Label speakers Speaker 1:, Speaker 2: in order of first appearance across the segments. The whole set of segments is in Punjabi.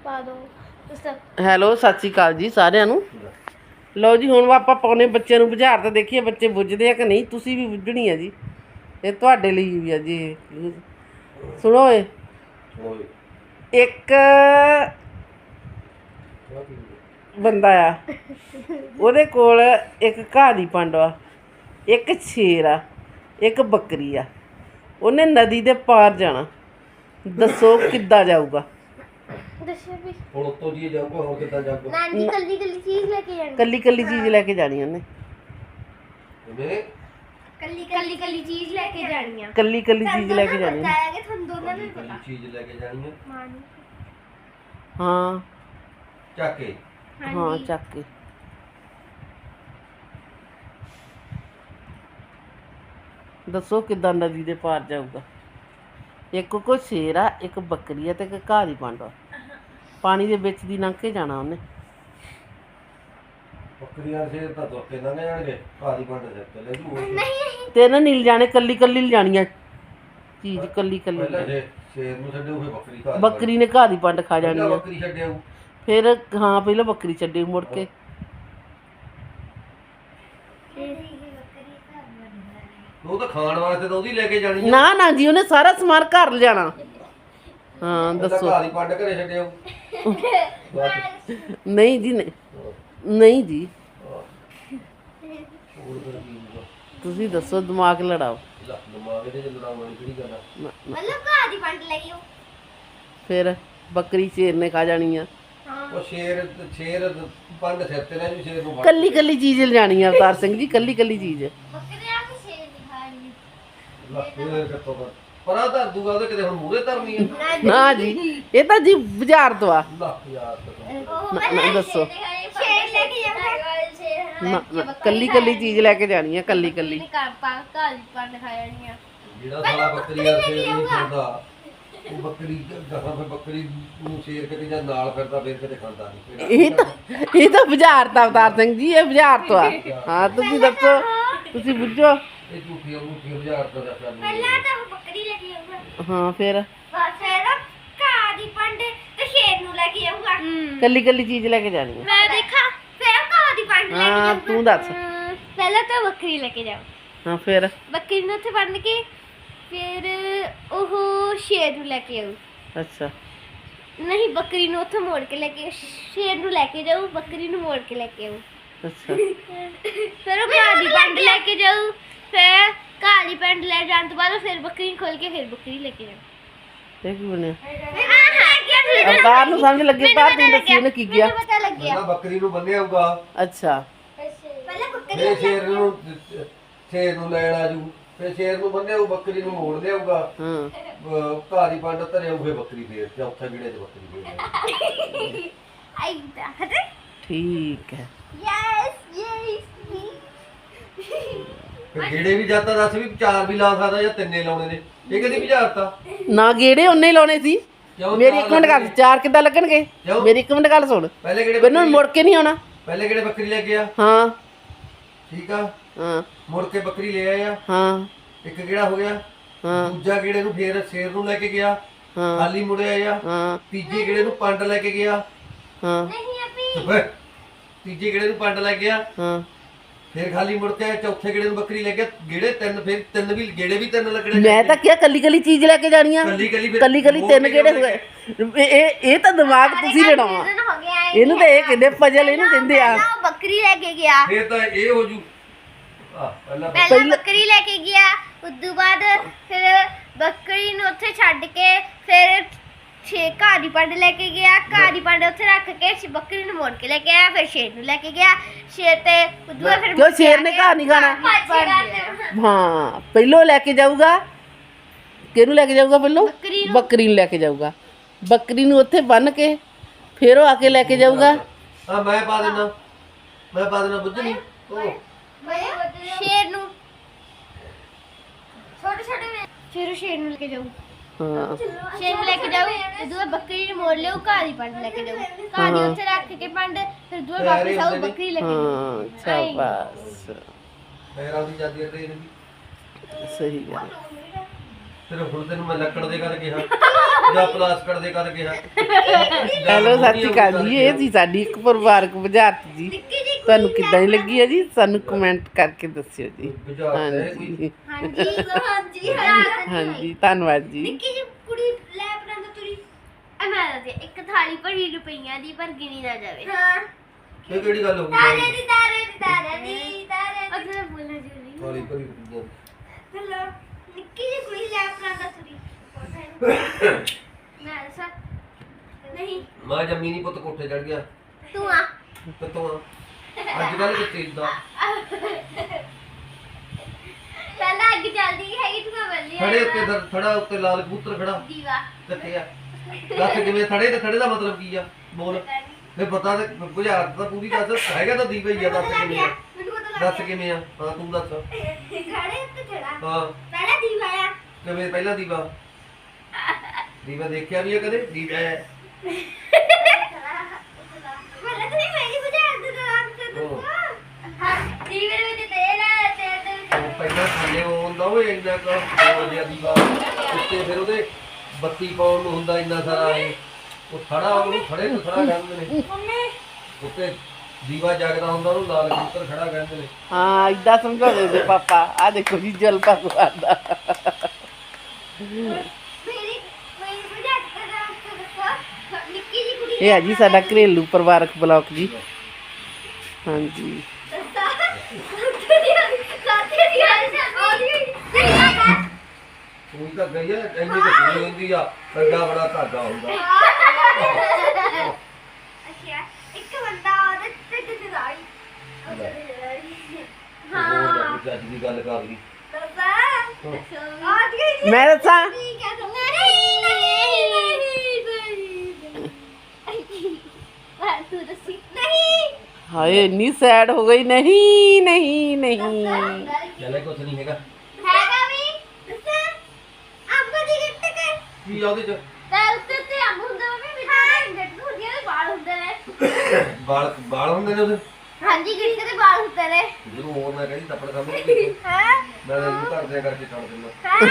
Speaker 1: ਪਾ ਦੋ
Speaker 2: ਹੈਲੋ ਸਤਿ ਸ਼੍ਰੀ ਅਕਾਲ ਜੀ ਸਾਰਿਆਂ ਨੂੰ। ਲਓ ਜੀ ਹੁਣ ਆਪਾਂ ਪਾਉਨੇ ਬੱਚਿਆਂ ਨੂੰ ਬੁਝਾਰ ਤਾਂ ਦੇਖੀਏ ਬੱਚੇ ਬੁੱਝਦੇ ਆ ਕਿ ਨਹੀਂ। ਤੁਸੀਂ ਵੀ ਬੁੱਝਣੀ ਆ ਜੀ, ਇਹ ਤੁਹਾਡੇ ਲਈ ਵੀ ਆ ਜੀ। ਸੁਣੋ ਏ, ਇੱਕ ਬੰਦਾ ਆ, ਉਹਦੇ ਕੋਲ ਇੱਕ ਘਾਹ ਦੀ ਪੰਡ ਆ, ਇੱਕ ਸ਼ੇਰ ਆ, ਇੱਕ ਬੱਕਰੀ ਆ। ਉਹਨੇ ਨਦੀ ਦੇ ਪਾਰ ਜਾਣਾ, ਦੱਸੋ ਕਿੱਦਾਂ ਜਾਊਗਾ?
Speaker 1: ਦੱਸੋ ਵੀ
Speaker 3: ਹੁਣ ਉੱਤੋਂ ਦੀ ਜਾਊਗਾ, ਹੋਰ ਕਿੱਦਾਂ ਜਾਊਗਾ?
Speaker 1: ਨਾਨੀ ਕੱਲੀ ਕੱਲੀ ਚੀਜ਼ ਲੈ ਕੇ ਜਾਣੀ।
Speaker 2: ਕੱਲੀ ਕੱਲੀ ਚੀਜ਼ ਲੈ ਕੇ ਜਾਣੀ ਉਹਨੇ।
Speaker 3: ਜਿਵੇਂ
Speaker 1: ਕੱਲੀ ਕੱਲੀ ਚੀਜ਼ ਲੈ ਕੇ ਜਾਣੀ ਆ।
Speaker 2: ਕੱਲੀ ਕੱਲੀ ਚੀਜ਼ ਲੈ ਕੇ ਜਾਣੀ।
Speaker 1: ਪਤਾ ਹੈ ਕਿ ਤੁਹਾਨੂੰ ਦੋਨਾਂ ਨੂੰ
Speaker 3: ਕੋਈ
Speaker 1: ਪਤਾ।
Speaker 3: ਚੀਜ਼ ਲੈ ਕੇ ਜਾਣੀ ਹੈ।
Speaker 1: ਮਾਂ ਨੂੰ।
Speaker 2: ਹਾਂ
Speaker 3: ਚੱਕ ਕੇ
Speaker 2: ਹਾਂ ਚੱਕ ਕੇ। ਦੱਸੋ ਕਿੱਦਾਂ ਨਦੀ ਦੇ ਪਾਰ ਜਾਊਗਾ? ਇੱਕ ਕੋਈ ਸ਼ੇਰ ਆ, ਇੱਕ ਬੱਕਰੀ ਆ ਤੇ ਇੱਕ ਘਾਹ ਦੀ ਪੰਡ ਆ। ਪਾਣੀ ਦੇ ਵਿੱਚ ਦੀ ਲੰਘ ਕੇ ਜਾਣਾ ਉਹਨੇ।
Speaker 3: ਬੱਕਰੀਆਂ ਦੇ ਤਾਂ ਤੁਰ ਕੇ ਲੰਘ ਜਾਣਗੇ, ਘਾਹ ਦੀ ਪੰਡ ਸਿਰ ਤੇ ਲੈ ਜੂ।
Speaker 1: ਨਹੀਂ
Speaker 2: ਤੇ ਨਾ ਨੀਲ ਜਾਣੇ, ਕੱਲੀ ਕੱਲੀ ਲਿਜਾਣੀ ਆ ਚੀਜ਼, ਕੱਲੀ ਕੱਲੀ।
Speaker 3: ਪਹਿਲਾਂ ਸ਼ੇਰ ਨੂੰ ਛੱਡਿਓ, ਫਿਰ ਬੱਕਰੀ ਘਾਹ ਦੀ
Speaker 2: ਬੱਕਰੀ ਨੇ ਘਾਹ ਦੀ ਪੰਡ ਖਾ ਜਾਣੀ ਆ।
Speaker 3: ਬੱਕਰੀ ਛੱਡਿਓ,
Speaker 2: ਫਿਰ ਹਾਂ ਪਹਿਲਾਂ ਬੱਕਰੀ ਛੱਡੇ ਮੁੜ ਕੇ।
Speaker 3: ਉਹ ਤਾਂ ਖਾਣ ਵਾਸਤੇ ਤਾਂ ਉਹਦੀ ਲੈ ਕੇ ਜਾਣੀ ਹੈ।
Speaker 2: ਨਾ ਨਾ ਜੀ, ਉਹਨੇ ਸਾਰਾ ਸਮਾਨ ਘਰ ਲਿਜਾਣਾ। ਹਾਂ ਦੱਸੋ।
Speaker 3: ਘਾਹ ਦੀ ਪੰਡ ਘਰੇ ਛੱਡਿਓ।
Speaker 2: ਨਹੀਂ ਜੀ ਨਹੀਂ, ਨਹੀਂ ਜੀ ਤੁਸੀਂ ਦੱਸੋ, ਦਿਮਾਗ ਲੜਾਓ।
Speaker 3: ਦਿਮਾਗ ਇਹਦੇ ਚ ਲੜਾਉਣ ਕਿਹੜੀ ਗੱਲ ਆ?
Speaker 1: ਮਤਲਬ ਘਾਹ ਦੀ ਪੰਡ ਲੈ ਗਿਓ।
Speaker 2: ਫਿਰ ਬੱਕਰੀ ਸ਼ੇਰ ਨੇ ਖਾ ਜਾਣੀ ਆ।
Speaker 3: ਉਹ ਸ਼ੇਰ ਪੰਡ ਸਿਰ ਤੇ ਲੈ ਜੂ, ਸ਼ੇਰ ਨੂੰ ਫੜ
Speaker 2: ਕੱਲੀ ਕੱਲੀ ਚੀਜ਼ ਲਿਜਾਣੀ ਆ ਅਵਤਾਰ ਸਿੰਘ ਜੀ, ਕੱਲੀ ਕੱਲੀ ਚੀਜ਼।
Speaker 1: ਬੱਕਰੇ ਆ ਕੇ ਸ਼ੇਰ ਦੀ ਖਾਣੀ।
Speaker 3: ਫੇਰ ਕਿੱਥੋਂ ਪਰਾਂ ਧਰ ਦੂਗਾ, ਉਹਦੇ ਕਿਤੇ ਹੁਣ ਮੂਹਰੇ ਧਰਨੀ ਆ।
Speaker 2: ਨਾ ਜੀ, ਇਹ ਤਾਂ ਜੀ ਬਾਜ਼ਾਰ ਤੋਂ ਆ।
Speaker 3: ਲੱਖ ਯਾਰ
Speaker 2: ਨਾ ਦੱਸੋ।
Speaker 1: ਸ਼ੇਰ ਲੈ ਕੇ ਜਾਣਾ।
Speaker 2: ਨਾ ਨਾ, ਕੱਲੀ ਕੱਲੀ ਚੀਜ਼ ਲੈ ਕੇ ਜਾਣੀ ਆ, ਕੱਲੀ ਕੱਲੀ।
Speaker 1: ਘਾਹ ਦੀ ਪੰਡ ਖਾ ਜਾਣੀ ਆ।
Speaker 3: ਜਿਹੜਾ ਸਾਲਾ ਬੱਕਰੀ ਦਾ ਸ਼ੇਰ ਨਹੀਂ ਖਾਂਦਾ, ਉਹ ਬੱਕਰੀ ਗਾਹਾਂ ਫਿਰ ਬੱਕਰੀ ਨੂੰ ਸ਼ੇਰ ਕਿਤੇ ਜਾਂ ਨਾਲ ਫਿਰਦਾ, ਫਿਰ ਕਿਤੇ ਖਾਂਦਾ ਨਹੀਂ।
Speaker 2: ਇਹ ਤਾਂ ਬਾਜ਼ਾਰ ਤਾਂ ਅਵਤਾਰ ਸਿੰਘ ਜੀ, ਇਹ ਬਾਜ਼ਾਰ ਤੋਂ ਆ। ਹਾਂ ਤੁਸੀਂ ਦੱਸੋ, ਤੁਸੀਂ ਬੁੱਝੋ।
Speaker 3: ਇਹ ਝੂਠੀਆਂ ਹਜ਼ਾਰ ਤੋਂ ਦਾ ਚੱਲ
Speaker 1: ਪਹਿਲਾਂ ਤਾਂ ਉਹ ਬੱਕਰੀ ਲੈ ਕੇ ਆਊਗਾ।
Speaker 2: ਹਾਂ ਫਿਰ
Speaker 1: ਫਿਰ ਘਾਹ ਦੀ ਪੰਡ ਤੇ ਸ਼ੇਰ ਨੂੰ ਲੈ ਕੇ ਆਊਗਾ।
Speaker 2: ਕੱਲੀ ਕੱਲੀ ਚੀਜ਼ ਲੈ ਕੇ ਜਾਣੀ ਆ।
Speaker 1: ਮੈਂ ਦੇਖਾਂ ਫਿਰ ਘਾਹ ਦੀ ਪੰਡ ਲੈ ਕੇ
Speaker 2: ਹਾਂ
Speaker 1: ਜਾਊਗਾ।
Speaker 2: ਤੂੰ ਦੱਸ।
Speaker 1: ਪਹਿਲਾਂ ਤਾਂ ਬੱਕਰੀ ਲੈ ਕੇ ਜਾਓ।
Speaker 2: ਹਾਂ ਫਿਰ
Speaker 1: ਬੱਕਰੀ ਨੂੰ ਉੱਥੇ ਬੰਨ ਕੇ ਫਿਰ ਉਹ ਸ਼ੇਰ ਨੂੰ ਲੈ ਕੇ ਆਊ।
Speaker 2: ਅੱਛਾ
Speaker 1: ਨਹੀਂ, ਬੱਕਰੀ ਨੂੰ ਉੱਥੇ ਮੋੜ ਕੇ ਲੈ ਕੇ, ਸ਼ੇਰ ਨੂੰ ਲੈ ਕੇ ਜਾਊ, ਬੱਕਰੀ ਨੂੰ ਮੋੜ ਕੇ ਲੈ ਕੇ ਆਊ।
Speaker 2: ਅੱਛਾ
Speaker 1: ਫਿਰ ਉਹ ਘਾਹ ਦੀ ਪੰਡ ਲੈ ਕੇ ਜਾਊ। ਫਿਰ ਘਾਹ ਦੀ ਪੰਡ ਲੈ ਜਾਣ ਤੋਂ ਬਾਅਦ ਫਿਰ ਬੱਕਰੀ ਨੂੰ ਖੋਲ ਕੇ ਫਿਰ ਬੱਕਰੀ ਲੈ ਕੇ ਜਾਊ।
Speaker 2: ਇਹ ਕੀ ਬਣਿਆ?
Speaker 1: ਆਹ
Speaker 2: ਅਵਤਾਰ ਨੂੰ ਸਮਝ ਲੱਗੇ, ਤਾਂ ਤੂੰ ਦੱਸੀ ਉਹਨੇ ਕੀ ਗਿਆ।
Speaker 1: ਪਤਾ ਲੱਗਿਆ।
Speaker 3: ਪਹਿਲਾਂ ਬੱਕਰੀ ਨੂੰ ਬੰਨਿਆ ਹੋਊਗਾ,
Speaker 2: ਅੱਛਾ
Speaker 1: ਪਹਿਲਾਂ ਬੱਕਰੀ
Speaker 3: ਫਿਰ ਸ਼ੇਰ ਨੂੰ ਲੈਣ ਆਜੂ, ਫਿਰ ਸ਼ੇਰ ਨੂੰ ਬੰਨਿਆ ਹੋਊ, ਬੱਕਰੀ ਨੂੰ ਮੋੜ ਲਿਆਊਗਾ,
Speaker 2: ਹਾਂ
Speaker 3: ਘਾਹ ਦੀ ਪੰਡ ਧਰਿਆ ਹੋਊ, ਬੱਕਰੀ ਫੇਰ ਚੌਥੇ ਵਿੜੇ 'ਚ ਬੱਕਰੀ ਫੇਰ
Speaker 1: ਆਈਦਾ ਹਟੇ।
Speaker 2: ਠੀਕ ਹੈ।
Speaker 1: ਯੈਸ
Speaker 3: ਫਿਰ ਗੇੜੇ ਵੀ ਜਾਂਦਾ, ਦੱਸ ਵੀ 4 ਵੀ ਲਾ ਸਕਦਾ ਜਾਂ 3 ਲਾਉਣੇ ਨੇ, ਇਹ ਕਦੀ ਬੁਝਾਰਤਾ
Speaker 2: ਨਾ ਗੇੜੇ ਉਹਨੇ ਹੀ ਲਾਉਣੇ ਸੀ।
Speaker 3: ਕਿਉਂ?
Speaker 2: ਮੇਰੀ ਇੱਕ ਮਿੰਟ ਗੱਲ, 4 ਕਿੱਦਾਂ ਲੱਗਣਗੇ?
Speaker 3: ਕਿਉਂ?
Speaker 2: ਮੇਰੀ ਇੱਕ ਮਿੰਟ ਗੱਲ ਸੁਣ,
Speaker 3: ਪਹਿਲੇ ਕਿਹੜੇ
Speaker 2: ਮੈਨੂੰ ਮੁੜ ਕੇ ਨਹੀਂ ਆਉਣਾ।
Speaker 3: ਪਹਿਲੇ ਕਿਹੜੇ ਬੱਕਰੀ ਲੈ ਕੇ ਆ?
Speaker 2: ਹਾਂ
Speaker 3: ਠੀਕ ਆ,
Speaker 2: ਹਾਂ
Speaker 3: ਮੁੜ ਕੇ ਬੱਕਰੀ ਲੈ ਆਇਆ,
Speaker 2: ਹਾਂ
Speaker 3: ਇੱਕ ਕਿਹੜਾ ਹੋ ਗਿਆ।
Speaker 2: ਹਾਂ
Speaker 3: ਦੂਜਾ ਕਿਹੜੇ ਨੂੰ ਫੇਰ ਸ਼ੇਰ ਨੂੰ ਲੈ ਕੇ ਗਿਆ,
Speaker 2: ਹਾਂ
Speaker 3: ਖਾਲੀ ਮੁੜਿਆ ਆ।
Speaker 2: ਹਾਂ
Speaker 3: ਤੀਜੇ ਕਿਹੜੇ ਨੂੰ ਪੰਡ ਲੈ ਕੇ ਗਿਆ,
Speaker 2: ਹਾਂ
Speaker 1: ਨਹੀਂ ਅਭੀ
Speaker 3: ਓਏ, ਤੀਜੇ ਕਿਹੜੇ ਨੂੰ ਪੰਡ ਲੈ ਗਿਆ,
Speaker 2: ਹਾਂ
Speaker 3: ਫੇਰ ਖਾਲੀ ਮੁੜ ਕੇ ਆਇਆ। ਚੌਥੇ ਕਿਹੜੇ ਨੂੰ ਬੱਕਰੀ ਲੈ ਗਿਆ, ਗੇੜੇ 3, ਫਿਰ 3 ਵੀ ਗੇੜੇ ਵੀ 3 ਲੱਗਣੇ।
Speaker 2: ਮੈਂ ਤਾਂ ਕਿਹਾ ਕੱਲੀ ਕੱਲੀ ਚੀਜ਼ ਲੈ ਕੇ ਜਾਣੀਆਂ।
Speaker 3: ਕੱਲੀ ਕੱਲੀ ਫਿਰ
Speaker 2: ਕੱਲੀ ਕੱਲੀ 3 ਗੇੜੇ ਹੋਏ। ਇਹ ਤਾਂ ਦਿਮਾਗ ਤੁਸੀਂ ਲੜਾਉਣਾ।
Speaker 1: ਹੋ ਗਿਆ
Speaker 2: ਇਹਨੂੰ ਤਾਂ ਇਹ ਕਹਿੰਦੇ ਪਜਲ, ਇਹਨੂੰ ਕਹਿੰਦੇ ਆ।
Speaker 1: ਉਹ ਬੱਕਰੀ ਲੈ ਕੇ ਗਿਆ।
Speaker 3: ਫੇਰ ਤਾਂ ਇਹ ਹੋ ਜੂ। ਪਹਿਲਾਂ
Speaker 1: ਪਹਿਲਾਂ ਬੱਕਰੀ ਲੈ ਕੇ ਗਿਆ, ਉਦੋਂ ਬਾਅਦ ਫਿਰ ਬੱਕਰੀ ਨੂੰ ਉੱਥੇ ਛੱਡ ਕੇ ਫਿਰ ਘਾਹ ਦੀ ਪੰਡ ਲੈ ਕੇ ਗਿਆ। ਘਾਹ ਦੀ ਪੰਡ ਉੱਥੇ ਰੱਖ ਕੇ ਬੱਕਰੀ ਨੂੰ ਮੋੜ ਕੇ ਲੈ ਕੇ ਆਇਆ। ਫਿਰ ਸ਼ੇਰ ਨੂੰ ਲੈ ਕੇ ਗਿਆ, ਸ਼ੇਰ ਤੇ ਉਦੋਂ ਬਾਅਦ ਫਿਰ
Speaker 2: ਕਿਉਂ ਸ਼ੇਰ ਨੇ ਘਾਹ ਨਹੀਂ ਖਾਣਾ? ਹਾਂ ਪਹਿਲੋਂ ਲੈ ਕੇ ਜਾਊਗਾ, ਕਿਹਨੂੰ ਲੈ ਕੇ ਜਾਊਗਾ ਪਹਿਲੋਂ?
Speaker 1: ਬੱਕਰੀ ਨੂੰ।
Speaker 2: ਬੱਕਰੀ ਨੂੰ ਲੈ ਕੇ ਜਾਊਗਾ। ਬੱਕਰੀ ਨੂੰ ਉੱਥੇ ਬੰਨ ਕੇ ਫਿਰ ਉਹ ਆ ਕੇ ਲੈ ਕੇ ਜਾਊਗਾ।
Speaker 3: ਹਾਂ ਮੈਂ ਪਾ ਦੇਣਾ ਬੁੱਝ ਨਹੀਂ। ਉਹ
Speaker 1: ਸ਼ੇਰ ਨੂੰ ਛੋਟੇ ਛੋਟੇ ਸ਼ੇਰ ਨੂੰ ਲੈ ਕੇ ਜਾਊ।
Speaker 2: ਹਾਂ
Speaker 1: ਸ਼ੇਰ ਨੂੰ ਲੈ ਕੇ ਜਾਊ, ਉਦੋਂ ਬਾਅਦ ਬੱਕਰੀ ਨੂੰ ਮੋੜ ਲਿਓ, ਘਾਹ ਦੀ ਪੰਡ ਲੈ ਕੇ ਜਾਊ। ਘਾਹ ਦੀ ਉੱਥੇ ਰੱਖ ਕੇ ਪੰਡ, ਫਿਰ ਉਦੋਂ ਬਾਅਦ ਵਾਪਸ ਆਊ, ਬੱਕਰੀ ਲੈ ਕੇ ਜਾਊ।
Speaker 2: ਹਾਂ ਸ਼ਾਬਾਸ਼,
Speaker 3: ਫੇਰ ਆਉਂਦੀ ਜਾਂਦੀ ਹੈ ਟ੍ਰੇਨ ਵੀ।
Speaker 2: ਸਹੀ ਗੱਲ।
Speaker 3: ਫਿਰ ਹੁਣ ਤੈਨੂੰ ਮੈਂ ਲੱਕੜ ਦੇ ਕਰ ਕਿਹਾ ਜਾਂ ਪਲਾਸਟਿਕ ਦੇ ਕਰ ਕਿਹਾ।
Speaker 2: ਹੈਲੋ ਸਤਿ ਸ਼੍ਰੀ ਅਕਾਲ ਜੀ, ਇਹ ਸੀ ਸਾਡੀ ਇੱਕ ਪਰਿਵਾਰਕ ਬੁਝਾਰਤ ਜੀ। ਤੁਹਾਨੂੰ ਕਿੱਦਾਂ ਦੀ ਲੱਗੀ ਹੈ ਜੀ, ਸਾਨੂੰ ਕਮੈਂਟ ਕਰਕੇ ਦੱਸਿਓ ਜੀ। ਹਾਂਜੀ
Speaker 1: ਹਾਂਜੀ
Speaker 2: ਹਾਂਜੀ ਧੰਨਵਾਦ ਜੀ।
Speaker 1: ਨਿੱਕੀ ਜਿਹੀ ਕੁੜੀ ਲੈ ਬਣਾਉਂਦਾ ਤੁਰੀ ਮੈਂ ਦੱਸਿਆ ਇੱਕ ਥਾਲੀ ਭਰੀ ਰੁਪਈਆਂ ਦੀ ਪਰ ਗਿਣੀ ਨਾ ਜਾਵੇ। ਹਾਂ
Speaker 3: ਇਹ ਕਿਹੜੀ ਗੱਲ ਹੋ ਗਈ?
Speaker 1: ਤਾਰੇ ਦੀ ਅਗਰ ਬੋਲਣਾ ਜੁਲੀ
Speaker 3: ਥਾਲੀ ਭਰੀ ਰੁਪਈਆਂ
Speaker 1: ਹੈਲੋ ਨਿੱਕੀ ਜਿਹੀ ਕੁੜੀ ਲੈ ਬਣਾਉਂਦਾ ਤੁਰੀ ਮੈਂ ਦੱਸਾਂ ਨਹੀਂ
Speaker 3: ਮਾਂ ਜੰਮੀ ਨਹੀਂ ਪੁੱਤ ਕੋਠੇ ਚੜ ਗਿਆ
Speaker 1: ਤੂੰ ਆ
Speaker 3: ਤੇ ਤੂੰ ਅੱਜ ਕੱਲ ਕਿੱਥੇ ਇਦਾਂ
Speaker 1: ਪਹਿਲਾਂ ਅੱਗ ਚੱਲਦੀ ਹੈਗੀ ਤੂੰ ਬੱਲੀ
Speaker 3: ਥੜੇ ਉੱਤੇ ਥੜਾ ਉੱਤੇ ਲਾਲ ਕਬੂਤਰ ਖੜਾ
Speaker 1: ਦੀਵਾ
Speaker 3: ਕਿੱਥੇ ਆ? ਦੱਸ ਕਿਵੇਂ ਥੜੇ ਤੇ ਥੜੇ ਦਾ ਮਤਲਬ ਕੀ ਆ? ਬੋਲ ਫੇ ਪਤਾ ਤੇ ਬੁਝਾਰਤ ਤਾਂ ਪੂਰੀ ਦੱਸ। ਹੈਗਾ ਤਾਂ ਦੀਵਾ ਹੀ ਆ। ਦੱਸ ਕਿਵੇਂ ਆ?
Speaker 1: ਮੈਨੂੰ ਪਤਾ ਲੱਗ
Speaker 3: ਦੱਸ ਕਿਵੇਂ ਆ? ਹਾਂ ਤੂੰ ਦੱਸ।
Speaker 1: ਖੜੇ ਉੱਤੇ ਚੜਾ
Speaker 3: ਹਾਂ
Speaker 1: ਪਹਿਲਾਂ ਦੀਵਾ ਆ
Speaker 3: ਕਿਵੇਂ? ਪਹਿਲਾ ਦੀਵਾ ਦੀਵਾ ਦੇਖਿਆ ਵੀ ਆ ਕਦੇ? ਦੀਵਾ ਹੈ
Speaker 1: ਪਹਿਲਾਂ ਤੂੰ ਮੇਰੀ ਬੁਝਾਰ ਦੇ ਨਾਮ ਤੇ
Speaker 3: ਉਹ।
Speaker 1: ਹਾਂ ਦੀਵੇ ਵਿੱਚ ਤੇਲ ਆ ਤੇਲ ਦੇ ਵਿੱਚ
Speaker 3: ਉਹ ਪਹਿਲਾਂ ਥੱਲੇ ਉਹ ਹੁੰਦਾ ਓਏ ਇੰਨਾ ਕੁ ਹੋਰ ਜਿਹਾ ਦੀਵਾ ਉੱਤੇ ਫਿਰ ਉਹਦੇ ਬੱਤੀ ਪਾਉਣ ਨੂੰ ਹੁੰਦਾ ਇੰਨਾ ਸਾਰਾ ਇਹ ਉਹ ਥੜਾ ਉਹਨੂੰ ਥੜੇ ਤੋਂ ਥੜਾ ਕਹਿੰਦੇ ਨੇ।
Speaker 1: ਮੰਮੀ
Speaker 3: ਉੱਤੇ ਦੀਵਾ ਜਗਦਾ ਹੁੰਦਾ ਉਹਨੂੰ ਲਾਲ ਕਬੂਤਰ ਖੜਾ ਕਹਿੰਦੇ ਨੇ।
Speaker 2: ਹਾਂ ਇਦਾਂ ਸਮਝਾਉਂਦੇ ਸੀ ਪਾਪਾ। ਆ ਦੇਖੋ ਜੀ ਜਲ ਭਗਵਾਨ ਦਾ।
Speaker 1: ਮੇਰੀ ਬੁਝਾਰ ਦੇ ਨਾਮ ਤੇ ਦੱਸੋ ਨਿੱਕੀ ਜਿਹੀ ਕੁੜੀ
Speaker 2: ਇਹ ਹੈ ਜੀ ਸਾਡਾ ਘਰੇਲੂ ਪਰਿਵਾਰਕ ਬਲੌਗ ਜੀ। ਹਾਂਜੀ
Speaker 3: ਤੂੰ ਤਾਂ ਗਈ ਆ ਇੰਨੀ ਕੁ ਕੁੜੀ ਹੁੰਦੀ ਆ ਐਡਾ ਬੜਾ ਧਾਗਾ ਹੁੰਦਾ।
Speaker 1: ਅੱਛਾ ਇੱਕ ਬੰਦਾ ਉਹਦੇ ਤੇ ਜਦਾਈ
Speaker 3: ਹਾਂ ਅੱਜ ਦੀ ਗੱਲ ਕਰ ਲਈ।
Speaker 2: ਮੈਂ ਦੱਸਾਂ
Speaker 1: ਤੂੰ ਦੱਸੀ ਨਹੀਂ
Speaker 2: ਹਾਏ ਇੰਨੀ ਸੈਡ ਹੋ ਗਈ। ਨਹੀਂ ਨਹੀਂ ਨਹੀਂ
Speaker 3: ਚੱਲੇ ਕੁਛ ਨਹੀਂ ਹੈਗਾ।
Speaker 1: ਹੈਗਾ ਵੀ ਦੱਸਾਂ ਅੰਬ ਦੀ ਗਿੱਟ ਕੇ
Speaker 3: ਕੀ ਆ ਉਹਦੇ ਚ?
Speaker 1: ਤੇ ਉੱਤੇ ਤੇ ਅੰਬ ਹੁੰਦਾ ਵੇ ਵਿੱਚ ਗਿੱਟ ਹੁੰਦੀਆਂ ਨੇ ਵਾਲ ਹੁੰਦੇ ਨੇ
Speaker 3: ਬਾਲ ਹੁੰਦੇ ਨੇ ਉਹਦੇ?
Speaker 1: ਹਾਂਜੀ ਗਿੱਟ ਦੇ ਵਾਲ ਹੁੰਦੇ ਨੇ
Speaker 3: ਜਦੋਂ ਹੋਰ ਮੈਂ ਕਹਿੰਦੀ ਥੱਪੜ ਖਾਂਦੇ
Speaker 1: ਹਾਂ
Speaker 3: ਮੈਂ ਇਹਨੂੰ ਘਰ ਦੇ ਕਰਕੇ ਛੱਡ ਦਿੰਦਾ।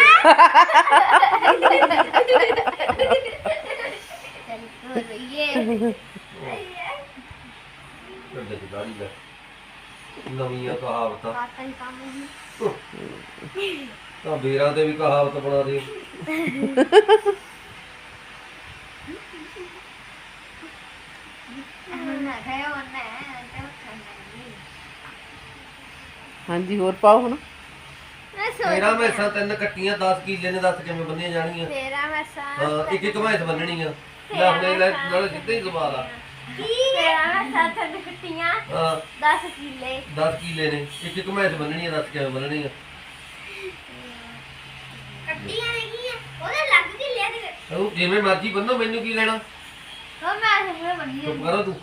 Speaker 3: ਢਿੱਡ 'ਚ ਦਾੜੀ ਲੈ ਨਵੀਆਂ ਕਹਾਵਤਾਂ ਤਾਂ ਬੇਰਾਂ ਤੇ ਵੀ ਕਹਾਵਤ ਬਣਾ ਦੇ।
Speaker 2: ਹਾਂਜੀ ਹੋਰ ਪਾਓ ਹੁਣ।
Speaker 3: ਤੇਰਾ ਮੈਸਾਂ 3 ਕੱਟੀਆਂ 10 ਕਿੱਲੇ ਨੇ। ਦੱਸ ਕਿਵੇਂ ਬੰਨੀਆਂ ਜਾਣਗੀਆਂ?
Speaker 1: ਤੇਰਾ ਮੈਸਾਂ
Speaker 3: ਹਾਂ ਇੱਕ ਇੱਕ ਮੈਸ ਬੰਨਣੀ ਆ। ਲੈ ਆਪਣੇ ਲੈ ਨਾਲੇ ਸਿੱਧੇ ਹੀ ਸਵਾਲ ਆ।
Speaker 1: ਤੇਰਾ ਮੈਸਾਂ ਥੱਲੇ ਕੱਟੀਆਂ
Speaker 3: ਹਾਂ
Speaker 1: 10 ਕਿੱਲੇ
Speaker 3: 10 ਕਿੱਲੇ ਨੇ। ਇੱਕ ਇੱਕ ਮੈਸ ਬੰਨਣੀ ਆ। ਦੱਸ ਕਿਵੇਂ ਬੰਨਣੀ ਆ?
Speaker 1: ਕੱਟੀਆਂ ਨਹੀਂ ਉਹਦੇ ਲੱਗ ਕਿੱਲੇ ਦੇ
Speaker 3: ਉਹ ਜਿਵੇਂ ਮਰਜ਼ੀ ਬੰਨੋ ਮੈਨੂੰ ਕੀ ਲੈਣਾ?
Speaker 1: ਉਹ ਮੈਂ ਸਮਝ ਬੰਦੀ
Speaker 3: ਚੁੱਪ ਕਰੋ ਤੂੰ।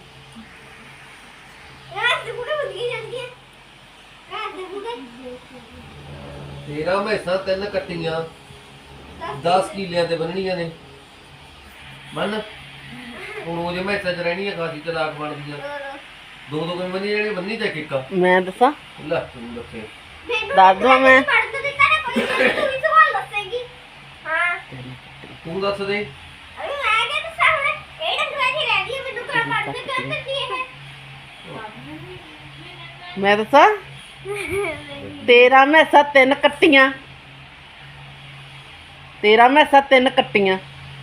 Speaker 1: ਯਾਰ ਤੂੰ ਕੁੜੇ ਬੰਦੀ ਜਾਂਦੀ ਹੈ ਯਾਰ ਤੂੰ ਕੁੜੇ
Speaker 3: ਤੇਰਾ ਮੈਸਾਂ 3 ਕੱਟੀਆਂ 10 ਕਿੱਲਿਆਂ ਤੇ ਬੰਨਣੀਆਂ ਨੇ। ਮੰਨ ਹੁਣ ਉਹ ਜੇ ਮੈਸਾਂ 'ਚ ਰਹਿਣੀਆਂ ਖਾਸੀ ਚਲਾਕ ਬਣਦੀਆਂ। ਦੋ ਦੋ ਕਿਵੇਂ ਬੰਨੀ ਜਾਣੀ? ਬੰਨੀ ਤੇ ਇੱਕ
Speaker 2: ਮੈਂ ਦੱਸਾਂ
Speaker 3: ਲੈ ਤੂੰ ਦੱਸੇ।
Speaker 2: ਦੱਸ ਦਵਾਂ ਮੈਂ।
Speaker 1: ਪੜ੍ਹ ਤਾਂ ਦਿੱਤਾ ਨਾ ਕੋਈ ਤੂੰ ਵੀ ਸਵਾਲ ਦੱਸੇਗੀ ਹਾਂ
Speaker 3: ਤੂੰ ਦੱਸ ਦੇ।
Speaker 1: ਅਰੇ ਮੈਂ ਕਿਹਾ ਦੱਸਾਂ ਹੁਣ ਇਹ ਡੰਗਰਾਂ ਦੀ ਰਹਿ ਗਈ ਮੈਨੂੰ ਕਰ ਪੜ੍ਹਦੇ ਕਰਦੇ ਕੀ ਹੈ
Speaker 2: ਮੈਂ ਦੱਸਾਂ ਤੇਰਾ ਮੈਸਾਂ 3 ਕੱਟੀਆਂ। ਤੇਰਾ ਮੈਸਾਂ 3 ਕੱਟੀਆਂ।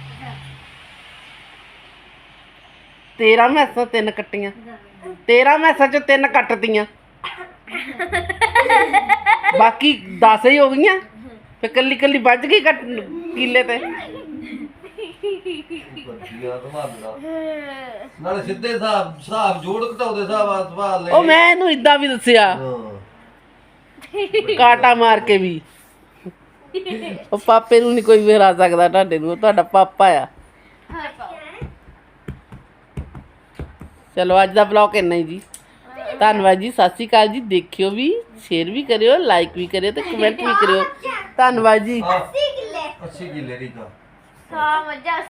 Speaker 2: ਤੇਰਾ ਮੈਸਾਂ 3 ਕੱਟੀਆਂ। ਤੇਰਾ ਮੈਸਾਂ ਚੋਂ 3 ਕੱਟਤੀਆਂ। ਬਾਕੀ 10 ਹੀ ਹੋ ਗਈਆਂ। ਫੇ ਕੱਲੀ ਕੱਲੀ ਵੱਜ ਗਈ ਕਿੱਲੇ ਤੇ।
Speaker 3: ਬੱਚੀਆਂ ਸੰਭਾਲਣਾ ਨਾਲੇ ਸਿੱਧੇ ਹਿਸਾਬ ਜੋੜ ਘਟਾਉਂਦੇ ਸਵਾਲ ਲੈ।
Speaker 2: ਉਹ ਮੈਂ ਇਹਨੂੰ ਇਦਾਂ ਵੀ ਦੱਸਿਆ
Speaker 3: ਹਾਂ
Speaker 2: ਕਾਟਾ ਮਾਰ ਕੇ ਵੀ। ਉਹ ਪਾਪੇ ਨੂੰ ਨਹੀਂ ਕੋਈ ਵੀ ਹਰਾ ਸਕਦਾ ਤੁਹਾਡੇ ਨੂੰ। ਉਹ ਤੁਹਾਡਾ ਪਾਪਾ ਆ। ਚਲੋ ਅੱਜ ਦਾ ਬਲੌਗ ਇੰਨਾ ਹੀ ਜੀ। ਧੰਨਵਾਦ ਜੀ। ਸਤਿ ਸ਼੍ਰੀ ਅਕਾਲ ਜੀ। ਦੇਖਿਓ ਵੀ, ਸ਼ੇਅਰ ਵੀ ਕਰਿਓ, ਲਾਈਕ ਵੀ ਕਰਿਓ ਤੇ ਕਮੈਂਟ ਵੀ ਕਰਿਓ। ਧੰਨਵਾਦ ਜੀ।
Speaker 1: 80 ਕਿੱਲੇ
Speaker 3: 80 ਕਿੱਲੇ ਦੀ ਤਾਂ
Speaker 1: ਸਾ ਮੱਝਾਂ